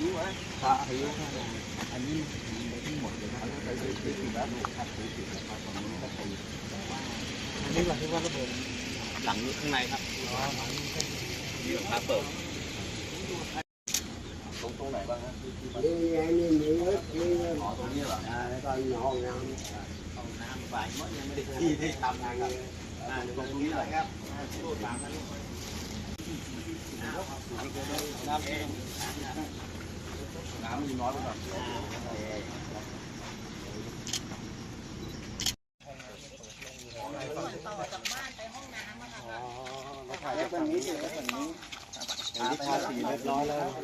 หิวไหมปลาหิวอันนี้ไปที่หมดเลยนะไปถึงแล้วครับไปถึงแล้วครับตอนนี้ก็ไปอันนี้หลังที่ว่าระเบิดหลังข้างในครับนี่หลังคาเปิดตรงไหนบ้างฮะนี่ไงนี่มีรถมีรถอ๋อตรงนี้เหรอตอนห้องน้ำห้องน้ำฝ่ายมันยังไม่ได้ที่ทำงานครับตรงนี้แหละครับรูดหลังกันน้ำมีน้อยไปหน่อยต่อจากบ้านไปห้องน้ำอะค่ะเราถ่ายแบบนี้เลยแบบนี้ที่ทาสีเรียบร้อยแล้ว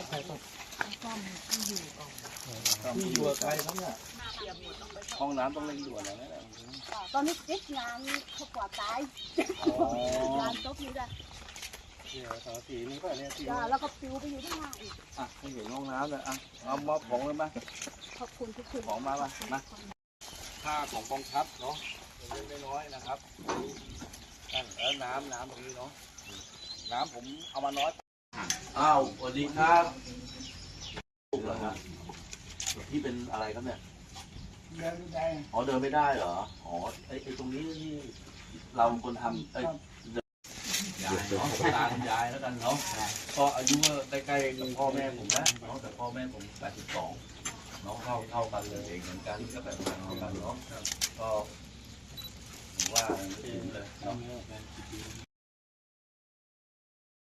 ที่อยู่ไกลครับเนี่ยห้องน้ำต้องเร่งด่วนแล้วนะตอนนี้ติดงานเขากว่าตายงานจบนี่แหละสีนี้ก็เนี่ยสีแล้วก็ปิวไปอยู่ข้างล่างอีกให้เห็นห้องน้ำเลยเอามอบของเลยไหมขอบคุณทุกคนของมาป่ะนะค่าของกองทัพเนาะเล็กน้อยนะครับแล้วน้ำตรงนี้เนาะน้ำผมเอามาน้อยอ้าวสวัสดีครับลูกเหรอครับที่เป็นอะไรครับเนี่ยเดินไม่ได้อ๋อเดินไม่ได้เหรออ๋อไอ้ตรงนี้ที่เราคนทำยายเนาะตาคุณยายแล้วกันเนาะก็อายุใกล้ๆพ่อแม่ผมนะเนาะแต่พ่อแม่ผม82น้องเท่ากันเลยเหมือนกันก็แบบเท่ากันเนาะก็ผมว่าไม่ถึงเลยเนาะ